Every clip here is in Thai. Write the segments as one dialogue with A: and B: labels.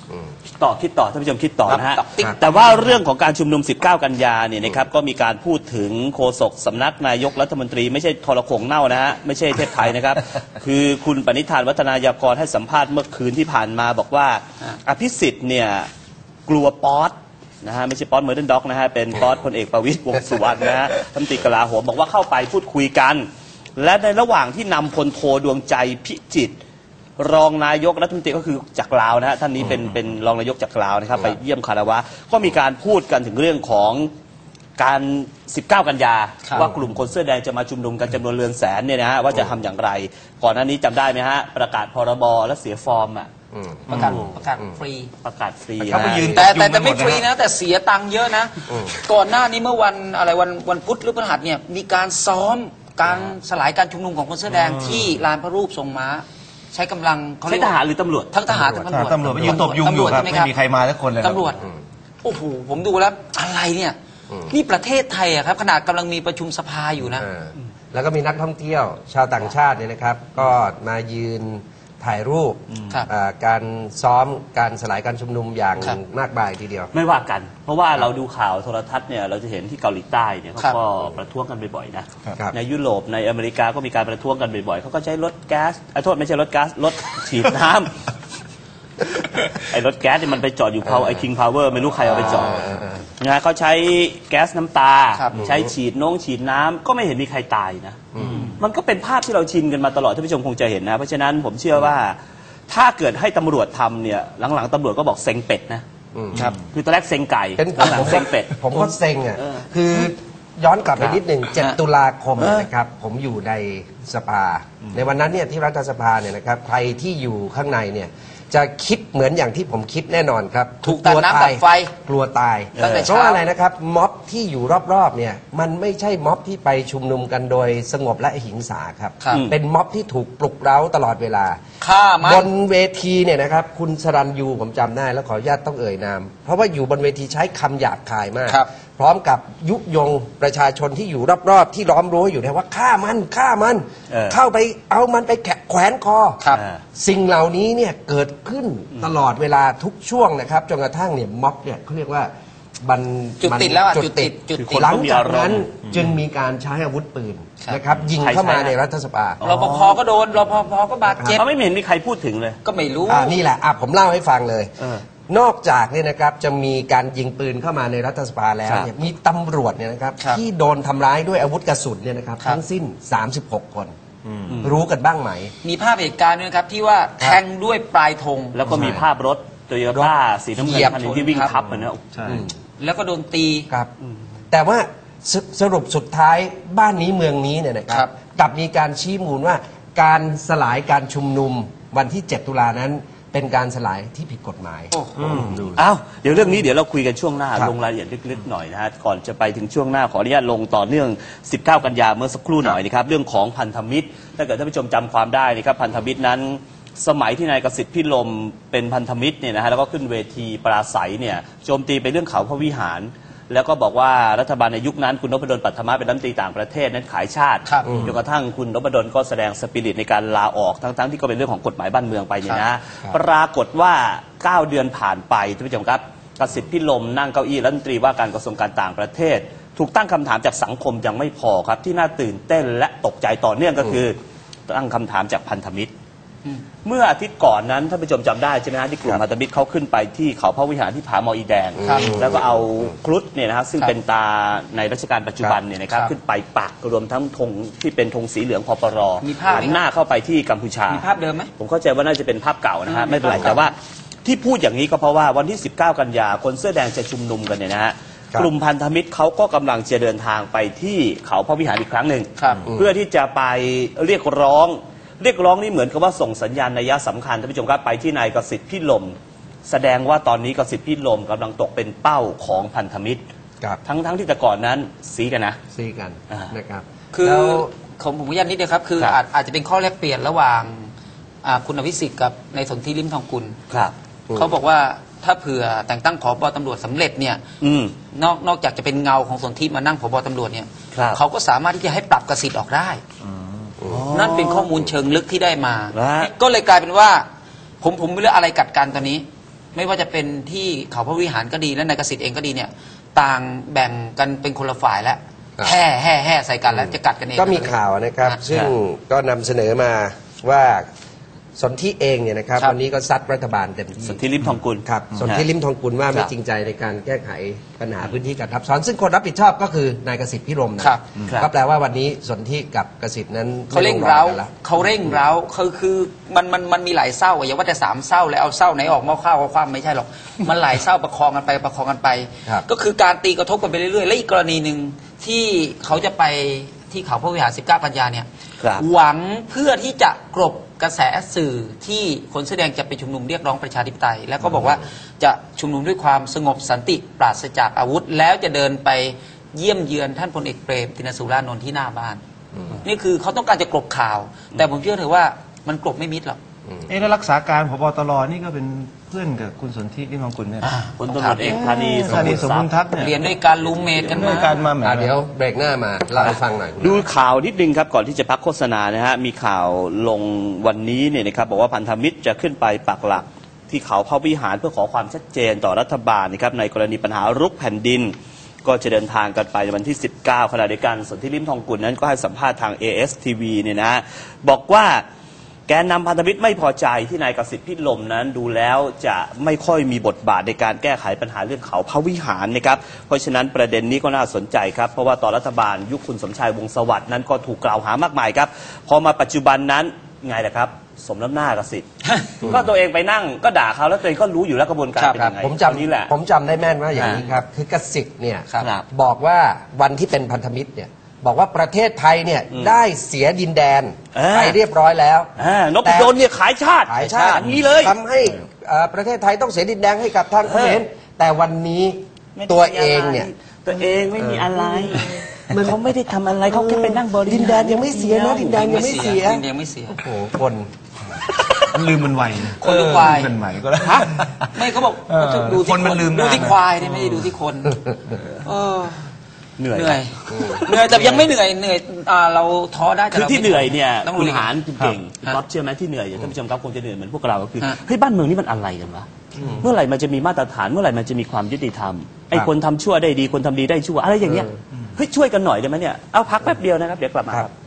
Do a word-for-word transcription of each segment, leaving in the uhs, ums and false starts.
A: ต่อคิดต่อท่านผู้ชมคิดต่อนะฮะแต่ว่าเรื่องของการชุมนุมสิบเก้ากันยาเนี่ยนะครับก็มีการพูดถึงโฆษกสำนักนายกรัฐมนตรีไม่ใช่ทรโขงเน่านะฮะไม่ใช่เทพไทยนะครับ คือคุณปณิธานวัฒนายากรให้สัมภาษณ์เมื่อคืนที่ผ่านมาบอกว่าอภิสิทธิ์เนี่ยกลัวป๊อตนะฮะไม่ใช่ป๊อตเมอร์เดนด็อกนะฮะเป็นป๊อตพลเอกประวิตรวงษ์สุวรรณนะฮะรัฐมนตรีกลาโหมบอกว่าเข้าไปพูดคุยกันและในระหว่างที่นำพลโทดวงใจพิจิตรรองนายกรัฐมนตรีก็คือจากลาวนะฮะท่านนี้เป็นเป็นรองนายกจากลาวนะครับไปเยี่ยมคารวะก็มีการพูดกันถึงเรื่องของการสิบเก้ากันยาว่ากลุ่มคนเสื้อแดงจะมาชุมนุมกันจำนวนเรือนแสนเนี่ยนะฮะว่าจะทำอย่างไรก่อนหน้านี้จำได้ไหมฮะประกาศพรบและเสียฟอร์มอ่ะ
B: ประกาศประกาศฟรี
A: ประกาศฟรี
B: แต่แต่แต่ไม่ฟรีนะแต่เสียตังค์เยอะนะก่อนหน้านี้เมื่อวันอะไรวันวันพุธหรือพฤหัสเนี่ยมีการซ้อมการสลายการชุมนุมของคนเสื้อแดงที่ลานพระรูปทรงม้าใช้กำลัง
A: ใช้ทหารหรือตำรวจ
B: ทั้งทหารทั้งตำรวจ
C: ตำรวจไปยืนตบยุงอยู่ครับไม่มีใครมาสักคนเลย
B: ตำรวจโอ้โหผมดูแล้วอะไรเนี่ยนี่ประเทศไทยอะครับขนาดกำลังมีประชุมสภาอยู่นะ
D: แล้วก็มีนักท่องเที่ยวชาวต่างชาติเนี่ยนะครับก็มายืนถ่ายรูปการซ้อมการสลายการชุมนุมอย่างมากมายทีเดียว
A: ไม่ว่ากันเพราะว่าเราดูข่าวโทรทัศน์เนี่ยเราจะเห็นที่เกาหลีใต้เนี่ยเขาก็ประท้วงกันบ่อยๆนะในยุโรปในอเมริกาก็มีการประท้วงกันบ่อยๆเขาก็ใช้รถแก๊สไอ้โทษไม่ใช่รถแก๊สรถฉีดน้ำไอ้รถแก๊สเนี่ยมันไปจอดอยู่เขาไอ้คิงพาวเวอร์ไม่รู้ใครเอาไปจอดนะเขาใช้แก๊สน้ำตาใช้ฉีดน้องฉีดน้ำก็ไม่เห็นมีใครตายนะมันก็เป็นภาพที่เราชินกันมาตลอดท่านผู้ชมคงจะเห็นนะเพราะฉะนั้นผมเชื่อว่าถ้าเกิดให้ตำรวจทำเนี่ยหลังๆตำรวจก็บอกเซ็งเป็ดนะครับคือตอนแรกเซ็งไก่หลังๆเซ็งเป็ด
D: ผมก็เซ็งอ่ะคือย้อนกลับไปนิดหนึ่งเจ็ดตุลาคมนะครับผมอยู่ในสภาในวันนั้นเนี่ยที่รัฐสภาเนี่ยนะครับใครที่อยู่ข้างในเนี่ยจะคิดเหมือนอย่างที่ผมคิดแน่นอนครับ
B: ถูกตัดน้ำตัดไฟ
D: กลัวตายเพราะว่าอะไรนะครับม็อบที่อยู่รอบๆเนี่ยมันไม่ใช่ม็อบที่ไปชุมนุมกันโดยสงบและหิงสาครับเป็นม็อบที่ถูกปลุกเร้าตลอดเวลาบนเวทีเนี่ยนะครับคุณสรัญยูผมจำได้แล้วขออนุญาตต้องเอ่ยนามเพราะว่าอยู่บนเวทีใช้คำหยาบคายมากพร้อมกับยุยงประชาชนที่อยู่รอบๆที่ล้อมรั้วอยู่นะว่าฆ่ามันฆ่ามันเข้าไปเอามันไปแขวนคอสิ่งเหล่านี้เนี่ยเกิดขึ้นตลอดเวลาทุกช่วงนะครับจนกระทั่งเนี่ยม็อบเนี่ยเขาเรียกว่าบัน
B: จุดติดแล้วจุดติดจุดติด
D: หลังจากนั้นจึงมีการใช้อาวุธปืนนะครับยิงเข้ามาในรัฐสภาร
B: ปภก็โดนรปภก็บาดเจ็บ
A: เขาไม่เห็นมีใครพูดถึงเลย
B: ก็ไม่รู้
D: นี่แหละผมเล่าให้ฟังเลยนอกจากเนี่ยนะครับจะมีการยิงปืนเข้ามาในรัฐสภาแล้วเนี่ยมีตำรวจเนี่ยนะครับที่โดนทำร้ายด้วยอาวุธกระสุนเนี่ยนะครับทั้งสิ้นสามสิบหกคนรู้กันบ้างไหม
B: มีภาพเหตุการณ์ด้วยครับที่ว่าแทงด้วยปลายธง
A: แล้วก็มีภาพรถโตโยต้าสีน้ำเงินคันที่วิ่งทับมันนะ
B: แล้วก็โดนตี
D: ครับแต่ว่าสรุปสุดท้ายบ้านนี้เมืองนี้เนี่ยนะครับกลับมีการชี้มูลว่าการสลายการชุมนุมวันที่เจ็ดตุลานั้นเป็นการสลายที่ผิดกฎหมาย
A: อ้าวเดี๋ยวเรื่องนี้เดี๋ยวเราคุยกันช่วงหน้าลงรายละเอียดลึกๆหน่อยนะฮะก่อนจะไปถึงช่วงหน้าขออนุญาตลงต่อเนื่องสิบเก้ากันยาเมื่อสักครู่หน่อยนะครับเรื่องของพันธมิตรถ้าเกิดท่านผู้ชมจำความได้นะครับพันธมิตรนั้นสมัยที่นายกสิทธิ์พิรมเป็นพันธมิตรเนี่ยนะฮะแล้วก็ขึ้นเวทีปราศัยเนี่ยโจมตีไปเรื่องเขาพระวิหารแล้วก็บอกว่ารัฐบาลในยุคนั้นคุณนพดลปัทมะเป็นรัฐมนตรีต่างประเทศนั้นขายชาติจนกระทั่งคุณนพดลก็แสดงสปิริตในการลาออกทั้งๆที่ก็เป็นเรื่องของกฎหมายบ้านเมืองไปเนี่ยนะปรากฏว่าเก้าเดือนผ่านไปท่านผู้ชมครับกสิทธิ์พิรมนั่งเก้าอี้รัฐมนตรีว่าการกระทรวงการต่างประเทศถูกตั้งคำถามจากสังคมยังไม่พอครับที่น่าตื่นเต้นและตกใจต่อเนื่องก็คือตั้งคำถามจากพันธมิตรเมื่ออาทิตย์ก่อนนั้นท่านผู้ชมจำได้ใช่ไหมฮะที่กลุ่มพันธมิตรเขาขึ้นไปที่เขาพระวิหารที่ผาหมออีแดงแล้วก็เอาครุฑเนี่ยนะครับซึ่งเป็นตาในรัชกาลปัจจุบันเนี่ยนะครับขึ้นไปปักรวมทั้งธงที่เป็นธงสีเหลืองพปรหันหน้าเข้าไปที่กัมพูชา
B: มีภาพเดิมไหม
A: ผมเข้าใจว่าน่าจะเป็นภาพเก่านะฮะไม่เป็นไรแต่ว่าที่พูดอย่างนี้ก็เพราะว่าวันที่สิบเก้ากันยาคนเสื้อแดงจะชุมนุมกันเนี่ยนะฮะกลุ่มพันธมิตรเขาก็กำลังจะเดินทางไปที่เขาพระวิหารอีกครั้งหนึ่งเพื่อที่จะไปเรียกร้องเรียกร้องนี่เหมือนกับว่าส่งสัญญาณนัยสำคัญท่านผู้ชมครับไปที่นายกสิทธิ์พิรมแสดงว่าตอนนี้กสิทธิ์พิรมกำลังตกเป็นเป้าของพันธมิตรทั้งทั้งที่แต่ก่อนนั้นซีกันนะ
D: ซีกันนะครับ
B: คือของผมยันนิดเดียวครับคืออาจจะเป็นข้อแลกเปลี่ยนระหว่างคุณอภิสิทธิ์กับนายสนธิลิ้มทองกุลเขาบอกว่าถ้าเผื่อแต่งตั้งผบ.ตำรวจสำเร็จเนี่ยนอกนอกจากจะเป็นเงาของสนธิมานั่งผบ.ตำรวจเนี่ยเขาก็สามารถที่จะให้ปรับกสิทธิ์ออกได้นั่นเป็นข้อมูลเชิงลึกที่ได้มาก็เลยกลายเป็นว่าผมผมไม่รู้อะไรกัดกันตอนนี้ไม่ว่าจะเป็นที่เขาพระวิหารก็ดีและนายกสิทธิ์เองก็ดีเนี่ยต่างแบ่งกันเป็นคนละฝ่ายแล้วแห่แห่แห่ใส่กันแล้วจะกัดกันเอง
D: ก็มีข่าวนะครับซึ่งก็นำเสนอมาว่าสนธิเองเนี่ยนะครับวันนี้ก็ซัดรัฐบาลเต็มที่
A: สนธิลิ้มทองกุล
D: ครับสนธิลิ้มทองกุลว่าไม่จริงใจในการแก้ไขปัญหาพื้นที่การทับซ้อนซึ่งคนรับผิดชอบก็คือนายกสิทธิ์พิรมนะก็แปลว่าวันนี้สนธิกับกสิทธิ์นั้น
B: เขาเร่งเร้าเขาเร่งเร้าคือคือมันมันมันมีหลายเศร้าอย่าว่าแต่สามเศร้าแล้วเอาเศร้าไหนออกหม้อข้าวเอาความไม่ใช่หรอกมันหลายเศร้าประคองกันไปประคองกันไปก็คือการตีกระทบกันไปเรื่อยๆและอีกกรณีหนึ่งที่เขาจะไปที่เขาพระวิหารสิบเก้ากันยาเนี่ยหวังเพื่อที่จะกลบกระแสสื่อที่คนแสดงจะไปชุมนุมเรียกร้องประชาธิปไตยแล้วก็บอกว่าจะชุมนุมด้วยความสงบสันติปราศจากอาวุธแล้วจะเดินไปเยี่ยมเยือนท่านพลเอกเปรมติณสุรานนท์ที่หน้าบ้านนี่คือเขาต้องการจะกลบข่าวแต่ผมเชื่อเถอะว่ามันกลบไม่มิดหรอก
C: เอ๊ะแล้วรักษาการผบ.ตร.นี่ก็เป็นเพื่อนกับคุณสนธิลิ้มทองกุลเนี่ย
A: พลตำรวจเอกธานี
C: ธานีสมบูรณ์ทัพเนี่ย
B: เรียนด้วยการรูมเมทกันมา
C: การมา
D: เดี๋ยวเบรกหน้ามาเล่าให้ฟังหน่อย
A: ดูข่าวนิดนึงครับก่อนที่จะพักโฆษณานะฮะมีข่าวลงวันนี้เนี่ยนะครับบอกว่าพันธมิตรจะขึ้นไปปักหลักที่เขาพระวิหารเพื่อขอความชัดเจนต่อรัฐบาลนะครับในกรณีปัญหารุกแผ่นดินก็จะเดินทางกันไปในวันที่สิบเก้าขณะเดียวกันสนธิลิ้มทองกุลนั้นก็ให้สัมภาษณ์ทาง เอ เอส ที วี เนี่ยนะบอกว่าแกนนำพันธมิตรไม่พอใจที่นายกสิทธิ์พิรมนั้นดูแล้วจะไม่ค่อยมีบทบาทในการแก้ไขปัญหาเรื่องเขาพระวิหารนะครับเพราะฉะนั้นประเด็นนี้ก็น่าสนใจครับเพราะว่าตอนรัฐบาลยุคคุณสมชายวงศ์สวัสดิ์นั้นก็ถูกกล่าวหามากมายครับพอมาปัจจุบันนั้นไงล่ะครับสมน้ำหน้ากสิทธิ์ ก็ตัวเองไปนั่งก็ด่าเขาแล้วตัวเองก็รู้อยู่แล้วกระบวนการเป็นยังไง
D: ผมจำนี้แหละผมจำได้แม่นว่าอย่างนี้ครับคือกสิทธิ์เนี่ยบอกว่าวันที่เป็นพันธมิตรเนี่ยบอกว่าประเทศไทยเนี่ยได้เสียดินแดนไปเรียบร้อยแล้ว
A: นพดลเนี่ยขายชาติ
D: ขายชาติ
A: นี้เลย
D: ทำให้ประเทศไทยต้องเสียดินแดนให้กับทางเขมรแต่วันนี้ตัวเองเนี่ย
A: ตัวเองไม่มีอะไรเขาไม่ได้ทำอะไรเขาแค่ไปนั่งบริ
D: ดินแดนยังไม่เสียนะดินแดนยังไม่เสีย
B: ดินแดนยังไม่เสีย
D: โอ้โหคน
C: ลืมมันไว
B: คนดูควาย
C: มันใหม่ก็แล้ว
B: ไม่เขาบอกดูที่คนดูที่ควายไม่ได้ดูที่คนเหนื่อยเหนื่อยเหนื่อยแต่ยังไม่เหนื่อยเหนื่อยเราท้อได้
A: คือที่เหนื่อยเนี่ยคุณหารคุณเก่งก๊อฟเชื่อไหมที่เหนื่อยท่านผู้ชมครับคงจะเหนื่อยเหมือนพวกเราก็คือเฮ้ยบ้านเมืองนี่มันอะไรกันวะเมื่อไหร่มันจะมีมาตรฐานเมื่อไหร่มันจะมีความยุติธรรมไอ้คนทำชั่วได้ดีคนทำดีได้ชั่วอะไรอย่างเงี้ยเฮ้ยช่วยกันหน่อยได้ไหมเนี่ยเอาพักแป๊บเดียวนะครับเดี๋ยวกลับมาครับ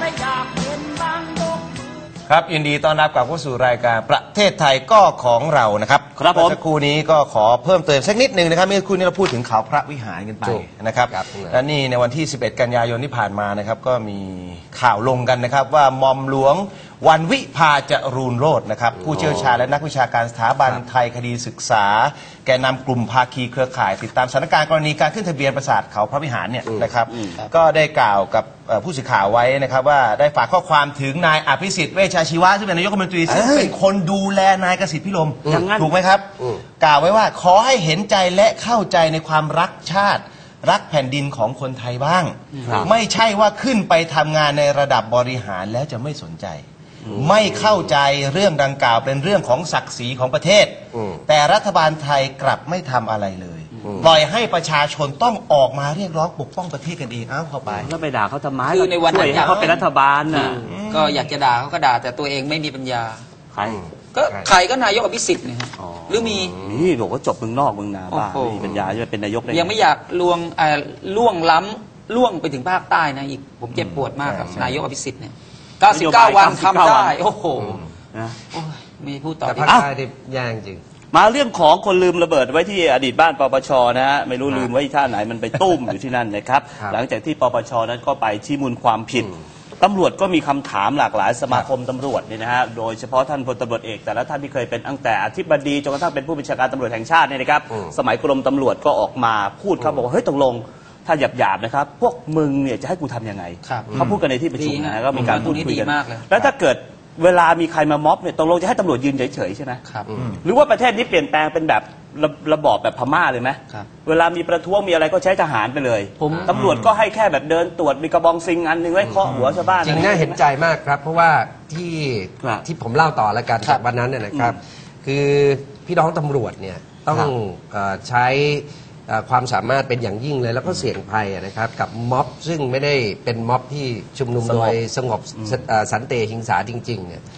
C: ครับยินดีต้อนรับกลับเข้าสู่รายการประเทศไทยก็ของเรานะครับ
A: ครับผม
C: สักครู่นี้ก็ขอเพิ่มเติมสักนิดหนึ่งนะครับเมื่อครู่นี้เราพูดถึงเขาพระวิหารกันไปนะครับและนี่ในวันที่สิบเอ็ดกันยายนที่ผ่านมานะครับก็มีข่าวลงกันนะครับว่ามอมหลวงวันวิภาจรูนโรจน์นะครับผู้เชี่ยวชาญและนักวิชาการสถาบันไทยคดีศึกษาแกนนำกลุ่มภาคีเครือข่ายติดตามสถานการณ์กรณีการขึ้นทะเบียนปราสาทเขาพระวิหารเนี่ยนะครับก็ได้กล่าวกับผู้สื่อข่าวไว้นะครับว่าได้ฝากข้อความถึงนายอภิสิทธิ์เวชชาชีวะซึ่งเป็นนายกรัฐมนตรีซึ่งเป็นคนดูแลนายกสิทธิ์พิรมถูกไหมครับกล่าวไว้ว่าขอให้เห็นใจและเข้าใจในความรักชาติรักแผ่นดินของคนไทยบ้างไม่ใช่ว่าขึ้นไปทำงานในระดับบริหารแล้วจะไม่สนใจไม่เข้าใจเรื่องดังกล่าวเป็นเรื่องของศักดิ์ศรีของประเทศแต่รัฐบาลไทยกลับไม่ทำอะไรเลยปล่อยให้ประชาชนต้องออกมาเรียกร้องปกป้องประเทศกันเองอ้าวเข้าไป
A: แล้วไปด่าเขาทำไม
B: คือในวันนั้น
A: เขาเป็นรัฐบาลน่ะ
B: ก็อยากจะด่าเขาก็ด่าแต่ตัวเองไม่มีปัญญา
A: ใคร
B: ก็ใครก็นายกอภิสิทธิ์เนี่ยหรือมี
A: นี่บอกว่าจบเมืองนอกเมืองนาบ้าไม่มีปัญญาจะเป็นนายกได้
B: ยังไม่อยากล่วงล่วงล้ำล่วงไปถึงภาคใต้นะอีกผมเจ็บปวดมากกับนายกอภิสิทธิ์เนี่ยเก้าสิบเก้าวันทำได้โอ้โหนะไม่พูดต่อ
D: แต่ภาคใต้ที่ยากจริง
A: มาเรื่องของคนลืมระเบิดไว้ที่อดีตบ้านปปชนะฮะไม่รู้ลืมไว้ท่าไหนมันไปตุ้มอยู่ที่นั่นนะครับหลังจากที่ปปชนั้นก็ไปชี้มูลความผิดตำรวจก็มีคำถามหลากหลายสมาคมตำรวจเนี่ยนะฮะโดยเฉพาะท่านพลตำรวจเอกแต่ละท่านที่เคยเป็นตั้งแต่อธิบดีจนกระทั่งเป็นผู้บัญชาการตำรวจแห่งชาติเนี่ยนะครับสมัยกรมตำรวจก็ออกมาพูดครับบอกว่าเฮ้ยตกลงถ้าหยาบๆนะครับพวกมึงเนี่ยจะให้กูทำยังไงเขาพูดกันในที่ประชุมนะก็มีการพูดคุยกันแล้วถ้าเกิดเวลามีใครมาม็อบเนี่ยตกลงจะให้ตำรวจยืนเฉยๆใช่ไหมหรือว่าประเทศนี้เปลี่ยนแปลงเป็นแบบระระบอบแบบพม่าเลยไหมเวลามีประท้วงมีอะไรก็ใช้ทหารไปเลยตำรวจก็ให้แค่แบบเดินตรวจมีกระบองซิงอันหนึ่งไว้เคาะหัวชาวบ้าน
D: จริงน่าเห็นใจมากครับเพราะว่าที่ที่ผมเล่าต่อแล้วกันจากวันนั้นเนี่ยนะครับคือพี่น้องตำรวจเนี่ยต้องใช้ความสามารถเป็นอย่างยิ่งเลยแล้วก็เสี่ยงภัยนะครับกับม็อบซึ่งไม่ได้เป็นม็อบที่ชุมนุมโดยสงบสันติหิงสาจริงๆเนี่ย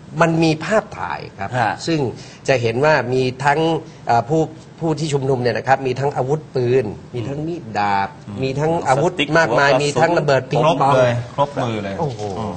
D: มันมีภาพถ่ายครับ
A: ฮะ
D: ซึ่งจะเห็นว่ามีทั้งเอ่อผู้ผู้ที่ชุมนุมเนี่ยนะครับมีทั้งอาวุธปืน มีทั้งมีดดาบ มีทั้งอาวุธ
A: สติ๊ก
D: มากมาย
A: หัวกระสุน
D: มีทั้งระเบิดปิง
C: ครบ
D: ปอง
C: เลยครบมือเลย
D: โอ้โห